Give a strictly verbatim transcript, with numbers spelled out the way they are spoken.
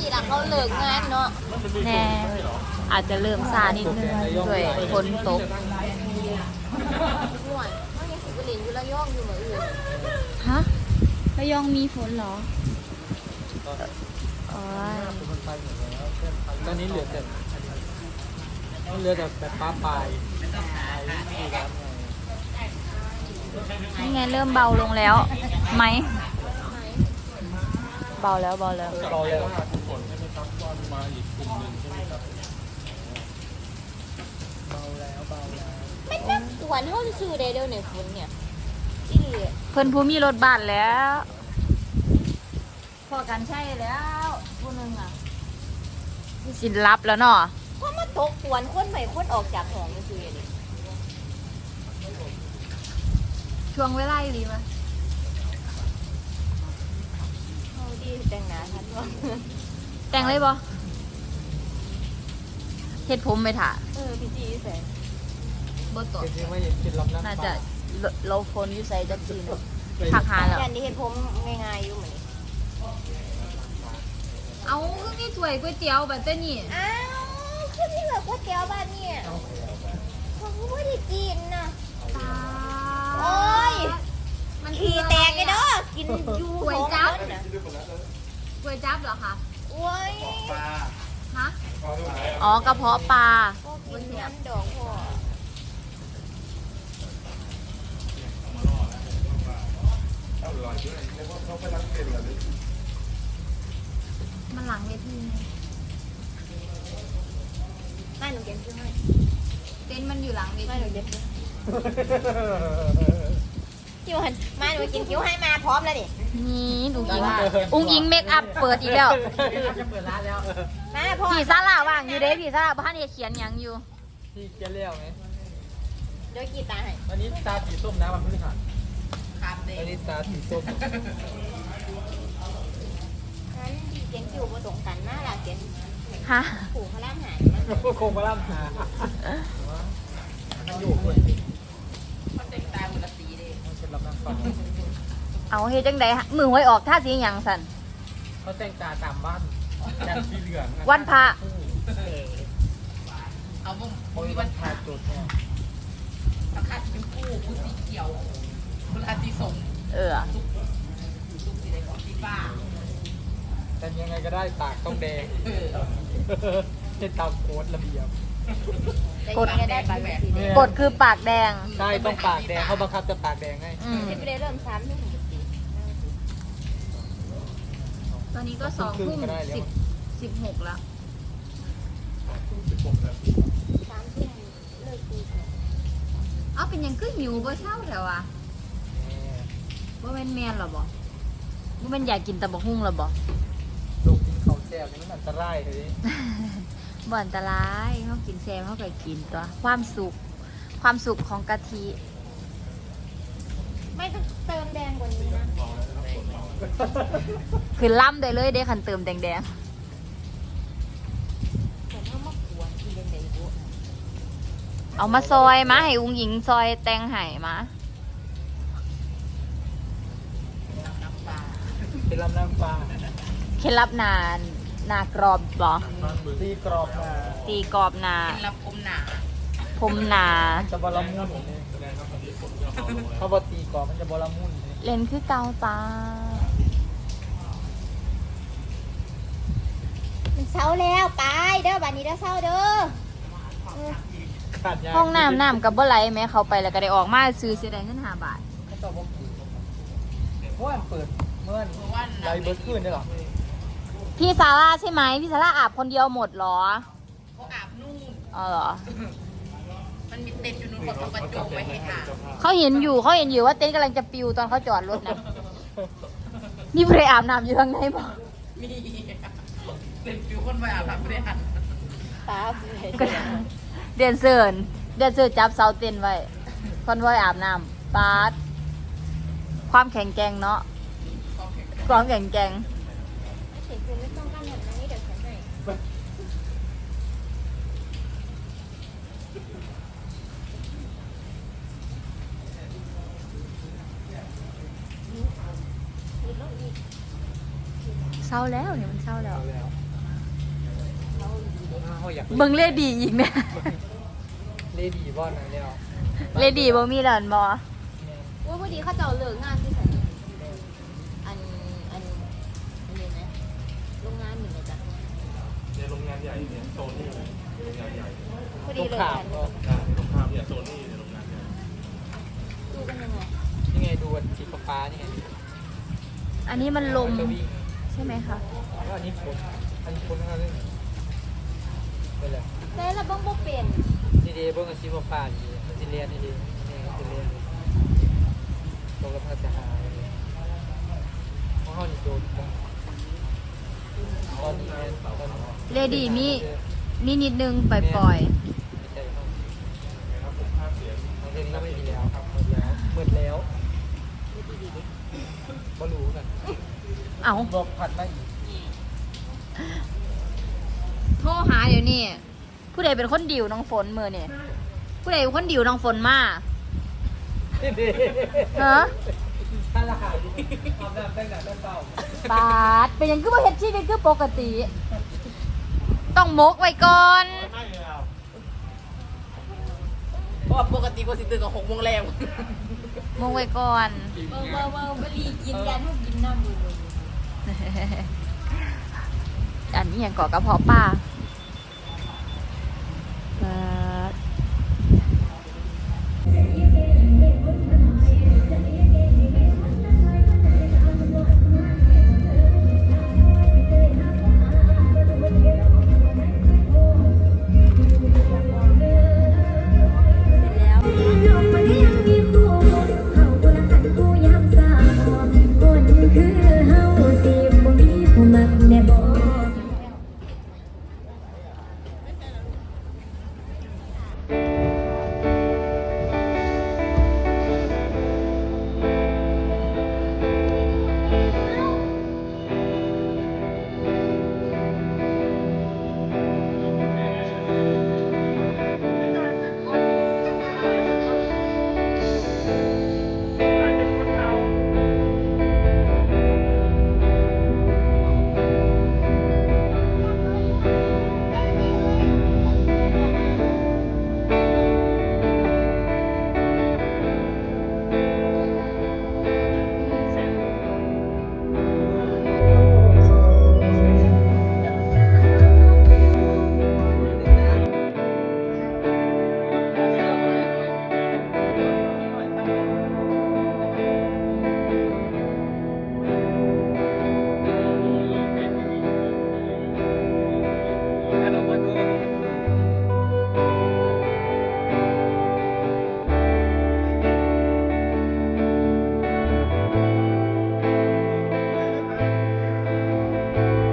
สี่หลังเขาเลิกงานเนาะแน่อาจจะเริ่มซานิดนึงด้วยฝนตกห่วยเขายังสิบเหรียญอยู่ระยองอยู่เหมือนอื่นฮะระยองมีฝนเหรอโอ้ยตอนนี้เหลือแต่เหลือแต่แบบป้าปลายนี่ไงเริ่มเบาลงแล้วไหมเบาแล้วเบาแล้วเบาแล้วฝนใช่ไหมครับว่ามาอีกกลุ่มหนึ่งใช่ไหมครับเบาแล้วเบาแล้วไม่นักหวานเท่าซื้อได้เดี๋ยวในฝนเนี่ยที่ดีเพิ่นผู้มีรถบ้านแล้วพอกันใช่แล้วผู้นึงอ่ะสินลับแล้วเนาะเพราะมาตกหวานคนใหม่คนออกจากห้องซื้อดิช่วงเวลาดีมั้ยเอาดีแต่งหน้าทันวะแต่งเลยบ่เฮ็ดผมไปถ่าเออพี่จีใส่บ่ตกน่าจะโลโฟนอยู่ใส่จักจีนผักหาแล้วอย่างนี้เฮ็ดผมง่ายๆอยู่เหมือนนี้เอาคือมีถ้วยก๋วยเตี๋ยวแบบนี้อ้าวคือมีแบบก๋วยเตี๋ยวบ้านนี่เขาไม่ได้กินนะโอ้ยมันขี้แตกเลยเด้อกินยูก๋วยจั๊บก๋วยจั๊บเหรอคะโอ้ยฮะอ๋อกระเพาะปลากินน้ำดองพ่อมันหลังเวทีไม่หนูเก็บซื้อให้เต็นท์มันอยู่หลังเวทีไม่หนูเก็บซื้อคิวหันมาหนูกินคิวให้มาพร้อมแล้วดินี่อุ้งอิงอุ้งอิงเมคอัพเปิดอีกแล้วจะเปิดร้านแล้วมาพ่อผีซาลาว่างอยู่เด้ผีซาลาบ้านเนี่ยเขียนยังอยู่พี่เจะเลี้ยวไหมเดี๋ยวกี่ตาให้วันนี้ตาสีส้มนะวันพฤหัสครับเด็วันนี้ตาสีส้มงั้นดีเจนคิวผสมกันน่ารักเจนฮะผูกพลังหายโคงพลังหาอยู่เลยมันเต็มตาบุรสีเลยมันเป็นลำน้ำฟันเอาเฮ็ดจังไดมือหวยออกท่าสีหยังสั่นเขาแต่งตาตามบ้านแต่งสีเหลืองวันพระเอาบุ้มโอ้ยวันพระจุดเนี่ยราคาเป็นคู่คู่สีเขียวคุณอาติสมเออลูกสีแดงสีฟ้าแต่ยังไงก็ได้ปากต้องแดงให้ตามโค้ดระเบียบกดกดคือปากแดงใช่ต้องปากแดงเขาบังคับจะปากแดงให้จะไปเริ่มซ้ำที่ถึงสีตอนนี้ก็สองทุ่มสิบสิบหกแล้วสามทุ่มเลิกตีเอาเป็นยังขึ้นหิวบ่เช้าแล้วอ่ะบ่แม่นแม่นหรอบ่บ่แม่นอยากกินตะบะหุ่งหรอบ่ลูกกินข้าวแซ่บนี่มันอันตรายเลยบ่อันตรายเขากินแซ่บเขาก็กินตัวความสุขความสุขของกะทิไม่ต้องเติมแดงกว่านี้นะคือล่ำได้เลยเด้คันเติมแดงๆเอามาซอยมาให้อุ้งหญิงซอยแตงไห่มาเป็นลำน้ำปลาเคล็ดลับนานนากรอบบ่ตีกรอบนาตีกรอบนาเคล็ดลับผมหนาผมหนาจะบอลมุ่นเขาบอกตีกรอบมันจะบอลมุ่นเล่นคือเกาตามันเศร้าแล้วไปเด้อบัดนี้เด้อเศร้าเด้อห้องน้ำน้ำกับบ่ไหลแม้เขาไปแล้วก็ได้ออกมาซื้อเสียดายเงินห้าบาทเมื่อวันเปิดเมื่อวันไรเบิร์ดขึ้นได้หรอพี่ซาร่าใช่ไหมพี่ซาร่าอาบคนเดียวหมดหรอเขาอาบนู่นอ๋อเหรอมันมีเต็นท์อยู่นู่นคนเขาประจุไว้ให้อาบเขาเห็นอยู่เขาเห็นอยู่ว่าเต็นท์กำลังจะปิวตอนเขาจอดรถนะนี่ไปอาบน้ำอยู่ทางไหนบอกมีเต็นท์ปิวคนไปอาบน้ำไม่ได้หันตาเดินเซิร์นเดินเซิร์นจับเสาเต็นท์ไว้คนไว้อาบน้ำปาดความแข็งแกร่งเนาะความแข็งแกร่งเห็นคุณไม่ต้องกั้นแบบนี้เดี๋ยวฉันให้เศร้าแล้วเนี่ยมันเศร้าแล้วเขาอยากเบิ่งเลดีอีกเนี่ยเลดีบอลนะเนี่ยเลดีบ่มีหลานบ่ว่าพอดีเขาจะเอาเลิกงานที่ไหนอันอันอันนี้นะโรงงานหนึ่งนะจ๊ะเนี่ยโรงงานใหญ่เนี่ยโซนี่โรงงานใหญ่พอดีลูกเลิกข่างานก็อ่าตรงข้ามเนี่ยโซนี่เนี่ยโรงงานใหญ่ดูกันยังไงนี่ไงดูสีฟ้านี่ไงอันนี้มันลมจะวิ่งใช่ไหมคะแล้วอันนี้ฝนอันนี้ฝนนะครับนี่ไปเลยแต่ละบ้องบ่เป็นดีดีเบิ้งกับสีฟ้าดีมันจะเรียนดีดีนี่มันจะเรียนตรงกับภาษาหาเพราะเขานี่โดนตอนนี้ตอนนี้เลดีมีมีนิดนึงปล่อยปล่อยไม่ใช่เขาเรื่องนี้ก็ไม่มีแล้วครับหมดแล้วหมดแล้วก็รู้กันๆเอาบอกผัดมาอีกโทรหาเดี๋ยวนี้ผู้ใดเป็นคนดิวน้องฝนมือนี่ผู้ใดเป็นคนดิวน้องฝนมา ฮะถ้าละหายอาบน้ำแต่งหน้าแต่งเปล่าปาดเป็นหยังคือบ่เฮ็ดชีวิตคือปกติ ต้องมกไว้ก่อนไม่เลยอ่ะเพราะว่าปกติก็สิตื่นกับหกโมงแรงมกไว้ก่อนเบิ่งเบิ่งเบิ่งบรีกินยันให้กินน้ำมืออันนี้ยังเกาะกระเพาะปลาเ